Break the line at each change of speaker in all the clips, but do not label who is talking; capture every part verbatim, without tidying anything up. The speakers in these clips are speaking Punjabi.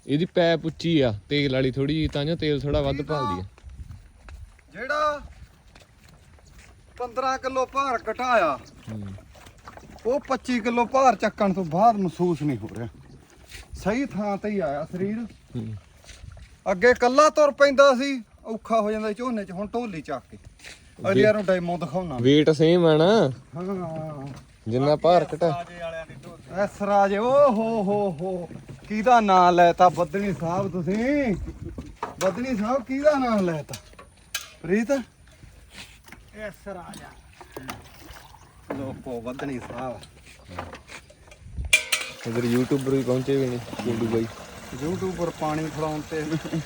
ਇਹਦੀ ਪੈਪ ਉੱਚੀ ਆ ਤੇਲ ਵਾਲੀ ਥੋੜੀ ਜਿਹੀ, ਤਾਂ ਜੋ ਤੇਲ ਥੋੜਾ ਵੱਧ ਭਾਲਦੀ ਆ।
ਜਿਹੜਾ ਪੰਦਰਾਂ ਕਿਲੋ ਭਾਰ ਘਟਾਇਆ ਉਹ ਪੱਚੀ ਕਿਲੋ ਭਾਰ ਚੱਕਣ ਤੋਂ ਬਾਅਦ ਮਹਿਸੂਸ ਨਹੀਂ ਹੋ ਰਿਹਾ। ਸਹੀ ਥਾਂ ਤੇ ਹੀ ਆਇਆ ਸਰੀਰ। ਅੱਗੇ ਕੱਲਾ ਤੁਰ ਪੈਂਦਾ ਸੀ, ਔਖਾ ਹੋ ਜਾਂਦਾ ਝੋਨੇ 'ਚ, ਹੁਣ ਢੋਲੀ ਚੱਕ ਕੇ ਅਗਲਿਆਂ ਨੂੰ ਡੈਮੋ ਦਿਖਾਉਣਾ।
weight ਸੇਮ ਆ ਨਾ,
ਹਾਂ
ਜਿੰਨਾ ਭਾਰ ਘਟਾ।
ਐਸ ਰਾਜੇ ਓ ਹੋ ਹੋ ਹੋ ਕਿਹਦਾ ਨਾਂ ਲੈਤਾ ਬੱਦਣੀ ਸਾਹਿਬ ਤੁਸੀਂ? ਬੱਦਣੀ ਸਾਹਿਬ ਕਿਹਦਾ ਨਾਂ ਲੈਤਾ? ਪ੍ਰੀਤ ਐਸ ਰਾਜਾ ਲੋਕੋ ਬੱਦਣੀ ਸਾਹਿਬ।
ਇਧਰ ਯੂਟਿਊਬਰ ਵੀ ਪਹੁੰਚੇ ਵੀ ਨੇ, ਕੁੰਡੂ ਬਾਈ
ਯੂਟਿਊਬਰ ਪਾਣੀ ਫੜਾਉਣ ਤੇ।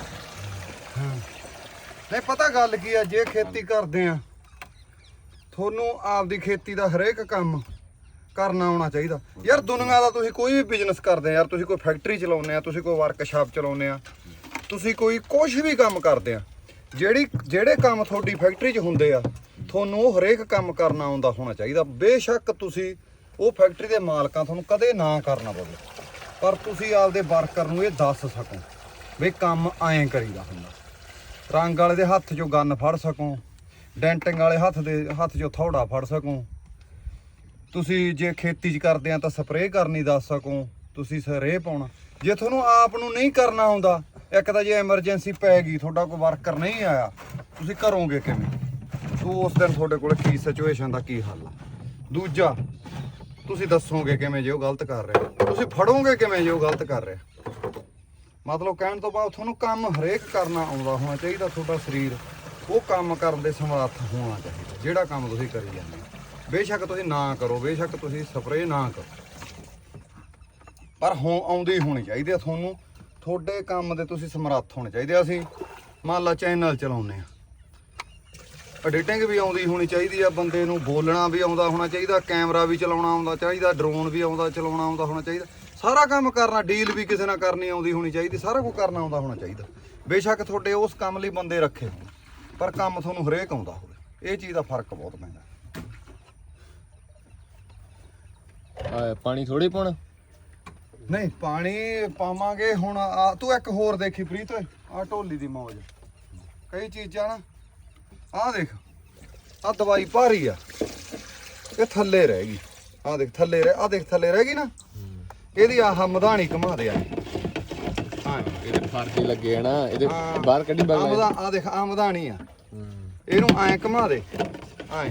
ਨਹੀਂ ਪਤਾ ਗੱਲ ਕੀ ਆ, ਜੇ ਖੇਤੀ ਕਰਦੇ ਆ ਤੁਹਾਨੂੰ ਆਪਦੀ ਖੇਤੀ ਦਾ ਹਰੇਕ ਕੰਮ ਕਰਨਾ ਆਉਣਾ ਚਾਹੀਦਾ ਯਾਰ। ਦੁਨੀਆ ਦਾ ਤੁਸੀਂ ਕੋਈ ਵੀ ਬਿਜ਼ਨਸ ਕਰਦੇ ਆ ਯਾਰ, ਤੁਸੀਂ ਕੋਈ ਫੈਕਟਰੀ ਚਲਾਉਂਦੇ ਆ, ਤੁਸੀਂ ਕੋਈ ਵਰਕਸ਼ਾਪ ਚਲਾਉਂਦੇ ਆ, ਤੁਸੀਂ ਕੋਈ ਕੁਝ ਵੀ ਕੰਮ ਕਰਦੇ ਆ, ਜਿਹੜੀ ਜਿਹੜੇ ਕੰਮ ਤੁਹਾਡੀ ਫੈਕਟਰੀ 'ਚ ਹੁੰਦੇ ਆ ਤੁਹਾਨੂੰ ਉਹ ਹਰੇਕ ਕੰਮ ਕਰਨਾ ਆਉਂਦਾ ਹੋਣਾ ਚਾਹੀਦਾ। ਬੇਸ਼ੱਕ ਤੁਸੀਂ ਉਹ ਫੈਕਟਰੀ ਦੇ ਮਾਲਕਾਂ ਤੁਹਾਨੂੰ ਕਦੇ ਨਾ ਕਰਨਾ ਪਵੇ, ਪਰ ਤੁਸੀਂ ਆਪਦੇ ਵਰਕਰ ਨੂੰ ਇਹ ਦੱਸ ਸਕੋ ਵੀ ਕੰਮ ਐਂ ਕਰੀਦਾ ਹੁੰਦਾ। ਰੰਗ ਵਾਲੇ ਦੇ ਹੱਥ 'ਚੋਂ ਗੰਨ ਫੜ ਸਕੋ, ਡੈਂਟਿੰਗ ਵਾਲੇ ਹੱਥ ਦੇ ਹੱਥ 'ਚੋਂ ਥੋੜਾ ਫੜ ਸਕੋ। ਤੁਸੀਂ ਜੇ ਖੇਤੀ 'ਚ ਕਰਦੇ ਆ ਤਾਂ ਸਪਰੇਅ ਕਰਨੀ ਦੱਸ ਸਕੋ, ਤੁਸੀਂ ਸਪਰੇਅ ਪਾਉਣਾ। ਜੇ ਤੁਹਾਨੂੰ ਆਪ ਨੂੰ ਨਹੀਂ ਕਰਨਾ ਆਉਂਦਾ, ਇੱਕ ਤਾਂ ਜੇ ਐਮਰਜੈਂਸੀ ਪੈ ਗਈ, ਤੁਹਾਡਾ ਕੋਈ ਵਰਕਰ ਨਹੀਂ ਆਇਆ, ਤੁਸੀਂ ਕਰੋਗੇ ਕਿਵੇਂ? ਤੂੰ ਉਸ ਦਿਨ ਤੁਹਾਡੇ ਕੋਲ ਕੀ ਸਿਚੁਏਸ਼ਨ ਦਾ ਕੀ ਹੱਲ ਆ? ਦੂਜਾ ਤੁਸੀਂ ਦੱਸੋਗੇ ਕਿਵੇਂ ਜੇ ਉਹ ਗਲਤ ਕਰ ਰਿਹਾ? ਤੁਸੀਂ ਫੜੋਗੇ ਕਿਵੇਂ ਜੇ ਉਹ ਗਲਤ ਕਰ ਰਿਹਾ? ਮਤਲਬ ਕਹਿਣ ਤੋਂ ਬਾਅਦ ਤੁਹਾਨੂੰ ਕੰਮ ਹਰੇਕ ਕਰਨਾ ਆਉਂਦਾ ਹੋਣਾ ਚਾਹੀਦਾ। ਤੁਹਾਡਾ ਸਰੀਰ ਉਹ ਕੰਮ ਕਰਨ ਦੇ ਸਮਰੱਥ ਹੋਣਾ ਚਾਹੀਦਾ ਜਿਹੜਾ ਕੰਮ ਤੁਸੀਂ ਕਰੀ ਜਾਂਦੇ ਹੋ। ਬੇਸ਼ੱਕ ਤੁਸੀਂ ਨਾ ਕਰੋ, ਬੇਸ਼ੱਕ ਤੁਸੀਂ ਸਪਰੇਅ ਨਾ ਕਰੋ, ਪਰ ਹੋ ਆਉਂਦੀ ਹੋਣੀ ਚਾਹੀਦੀ ਆ ਤੁਹਾਨੂੰ। ਤੁਹਾਡੇ ਕੰਮ ਦੇ ਤੁਸੀਂ ਸਮਰੱਥ ਹੋਣੇ ਚਾਹੀਦੇ। ਅਸੀਂ ਮੰਨ ਲਾ ਚੈਨਲ ਚਲਾਉਂਦੇ ਆ, ਐਡੀਟਿੰਗ ਵੀ ਆਉਂਦੀ ਹੋਣੀ ਚਾਹੀਦੀ ਆ ਬੰਦੇ ਨੂੰ, ਬੋਲਣਾ ਵੀ ਆਉਂਦਾ ਹੋਣਾ ਚਾਹੀਦਾ, ਕੈਮਰਾ ਵੀ ਚਲਾਉਣਾ ਆਉਂਦਾ ਚਾਹੀਦਾ, ਡਰੋਨ ਵੀ ਆਉਂਦਾ ਚਲਾਉਣਾ ਆਉਂਦਾ ਹੋਣਾ ਚਾਹੀਦਾ, ਸਾਰਾ ਕੰਮ ਕਰਨਾ, ਡੀਲ ਵੀ ਕਿਸੇ ਨਾਲ ਕਰਨੀ ਆਉਂਦੀ ਹੋਣੀ ਚਾਹੀਦੀ, ਸਾਰਾ ਕੁਝ ਕਰਨਾ ਆਉਂਦਾ ਹੋਣਾ ਚਾਹੀਦਾ। ਬੇਸ਼ੱਕ ਤੁਹਾਡੇ ਉਸ ਕੰਮ ਲਈ ਬੰਦੇ ਰੱਖੇ ਹੋਣ, ਪਰ ਕੰਮ ਤੁਹਾਨੂੰ ਹਰੇਕ ਆਉਂਦਾ ਹੋਵੇ। ਇਹ ਚੀਜ਼ ਦਾ ਫਰਕ ਬਹੁਤ ਪੈਂਦਾ।
ਆ ਪਾਣੀ ਥੋੜੀ ਪਾਉਣਾ?
ਨਹੀਂ ਪਾਣੀ ਪਾਵਾਂਗੇ ਹੁਣ। ਆ ਤੂੰ ਇੱਕ ਹੋਰ ਦੇਖੀ ਪ੍ਰੀਤ, ਆ ਢੋਲੀ ਦੀ ਮੌਜ, ਕਈ ਚੀਜ਼ਾਂ ਨਾ, ਆਹ ਦੇਖ, ਆਹ ਦਵਾਈ ਭਾਰੀ ਆ, ਇਹ ਥੱਲੇ ਰਹਿ ਗਈ, ਆਹ ਦੇਖ ਥੱਲੇ ਰਹਿ, ਆਹ ਦੇਖ ਥੱਲੇ ਰਹਿ ਗਈ ਨਾ, ਇਹਦੀ ਆਹ ਮਧਾਣੀ ਘੁਮਾ ਦੇ ਆ। ਹਾਂ
ਇਹਦੇ ਫਰਕ ਹੀ ਲੱਗੇ ਆ ਨਾ, ਇਹਦੇ ਬਾਹਰ ਕੱਢੀ ਬਾਹਰ।
ਆਹ ਦੇਖ ਆਹ ਮਧਾਣੀ ਆ, ਇਹਨੂੰ ਐਂ ਘੁਮਾ ਦੇ ਐਂ।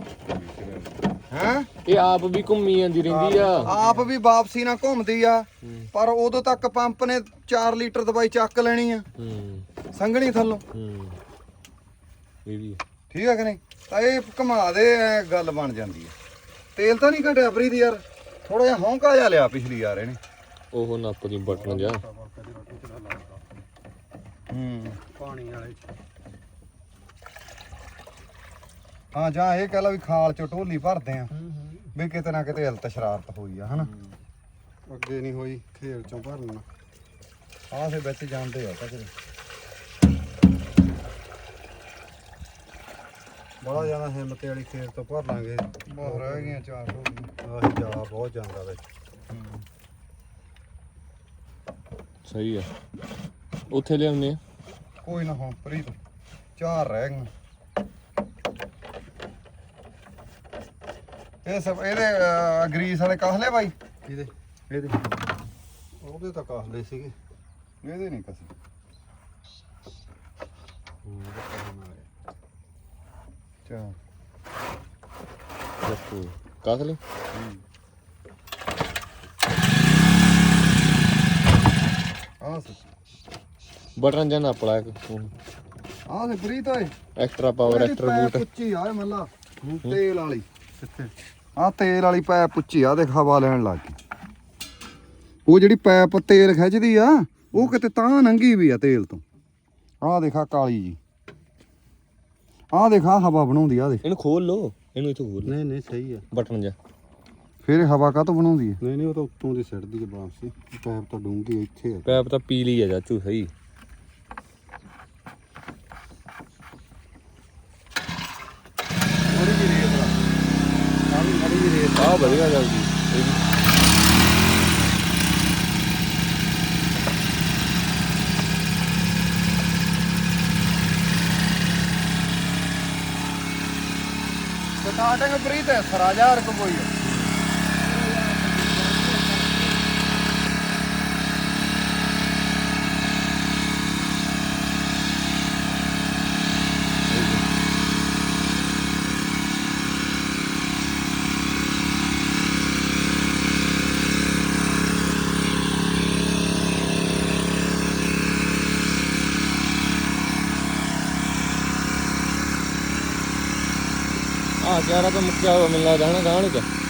ਹੈਂ
ਇਹ ਆਪ ਵੀ ਘੁੰਮੀ ਜਾਂਦੀ ਰਹਿੰਦੀ ਆ,
ਆਪ ਵੀ ਵਾਪਸੀ ਨਾਲ ਘੁੰਮਦੀ ਆ, ਪਰ ਉਦੋਂ ਤੱਕ ਪੰਪ ਨੇ ਚਾਰ ਲੀਟਰ ਦਵਾਈ ਚੱਕ ਲੈਣੀ ਆ ਸੰਘਣੀ ਥੱਲੋਂ।
ਇਹ ਵੀ
ਠੀਕ ਆ ਕਿ ਨਹੀਂ? ਤਾਂ ਇਹ ਘੁਮਾ ਦੇ, ਐ ਗੱਲ ਬਣ ਜਾਂਦੀ ਆ। ਤੇਲ ਤਾਂ ਨਹੀਂ ਘਟਿਆ ਪ੍ਰੀਤ ਯਾਰ, ਥੋੜਾ ਜਿਹਾ ਹੌਂਕਾ ਜਿਹਾ ਲਿਆ ਪਿਛਲੀ ਯਾਰ ਇਹਨੇ।
ਉਹ ਨੱਪ ਦੀ ਬਟਨ ਜਾ
ਹੂੰ ਪਾਣੀ ਵਾਲੇ ਹਾਂ ਜਾਂ ਇਹ ਕਹਿ ਲਾ ਵੀ ਖਾਲ ਚ ਢੋਲੀ ਭਰਦੇ ਆ ਵੀ ਕਿਤੇ ਨਾ ਕਿਤੇ ਹਲਤ ਸ਼ਰਾਰਤ ਹੋਈ ਆ ਹਨਾ। ਅੱਗੇ ਨਹੀਂ ਹੋਈ, ਖੇਲ ਚੋਂ ਭਰਨਾ ਆਹ ਦੇ ਵਿੱਚ ਜਾਂਦੇ ਆ ਤਾਂ ਕਿਤੇ ਬੜਾ ਜ਼ਿਆਦਾ ਹਿੰਮਤ ਵਾਲੀ ਖੇਲ ਤੋਂ ਭਰ ਲਾਂਗੇ। ਬਹੁਤ ਰਹਿ ਗਈਆਂ ਚਾਰ ਢੋਲੀਆਂ, ਆਹੀ ਜਾ ਬਹੁਤ ਜਾਂਦਾ ਵਿੱਚ।
ਸਹੀ ਆ, ਉੱਥੇ ਲਿਆਉਂਦੇ ਆ।
ਕੋਈ ਨਾ ਹੁਣ ਪ੍ਰੀਤ ਚਾਰ ਰਹਿ ਗਈਆਂ। ਇਹ ਸਭ ਇਹਦੇ ਗਰੀਸ ਵਾਲੇ ਕਾਹਲੇ ਬਾਈ, ਇਹਦੇ ਇਹਦੇ ਉਹਦੇ ਤਾਂ ਕਾਹਲੇ ਸੀਗੇ, ਇਹਦੇ ਨਹੀਂ ਕਸੇ। ਚਾ
ਦੇਖੋ ਕਾਹਲੇ
ਆਹ ਸੀ
ਬਟਨ ਜਾਂ ਨੱਪ ਲਾ ਇੱਕ
ਆਹ ਦੇ ਪ੍ਰੀਤ ਓਏ,
ਐਕਸਟਰਾ ਪਾਵਰ ਐਕਸਟਰਾ ਬੂਟ।
ਪੁੱਚੀ ਆ ਮੱਲਾ ਤੇਲ ਵਾਲੀ, ਕਿੱਥੇ ਆਹ ਤੇਲ ਵਾਲੀ ਪੈਪ ਪੁੱਚੀ ਆ, ਦੇਖ ਹਵਾ ਲੈਣ ਲੱਗ ਗਈ। ਉਹ ਜਿਹੜੀ ਪੈਪ ਤੇਲ ਖਿੱਚਦੀ ਆ ਉਹ ਕਿਤੇ ਤਾਂ ਨੰਗੀ ਵੀ ਆ ਤੇਲ ਤੋਂ। ਆਹ ਦੇਖਾ ਕਾਲੀ ਜੀ, ਆਹ ਦੇਖਾ ਹਵਾ ਬਣਾਉਂਦੀ ਆ। ਦੇਖ
ਇਹਨੂੰ ਖੋਲ ਲੋ, ਇਹਨੂੰ ਇੱਥੋਂ ਖੋਲ।
ਨਹੀਂ ਨਹੀਂ ਸਹੀ ਆ
ਬਟਨ ਜਾ,
ਫਿਰ ਹਵਾ ਕਾਹਤੋਂ ਬਣਾਉਂਦੀ ਹੈ? ਨਹੀਂ ਨਹੀਂ ਉਹ ਤਾਂ ਉੱਤੋਂ ਦੀ ਸਿੱਟਦੀ ਹੈ ਵਾਪਸੀ, ਪੈਪ ਤਾਂ ਡੂੰਘੀ ਇੱਥੇ ਆ।
ਪੈਪ ਤਾਂ ਪੀਲੀ ਆ ਚਾਚੂ, ਸਹੀ।
ਥੋੜੀ ਜਿਹੀ ਰੇਤ ਆ, ਆਹ ਵੀ ਥੋੜੀ ਜਿਹੀ ਰੇਤ
ਆਹ ਵਧੀਆ ਚੱਲਦੀ ਇਹ ਵੀ।
ਸਟਾਰਟਿੰਗ ਪ੍ਰੀਤ ਹੈ ਸਰਾਜਾ ਰਕ ਕੋਈ
ਆ ਚਾਰਾ ਤਾਂ ਮੁੱਕਿਆ ਹੋਇਆ ਮੈਨੂੰ ਲੱਗਦਾ ਹਨਾ ਗਾਂਹ ਨੂੰ ਚ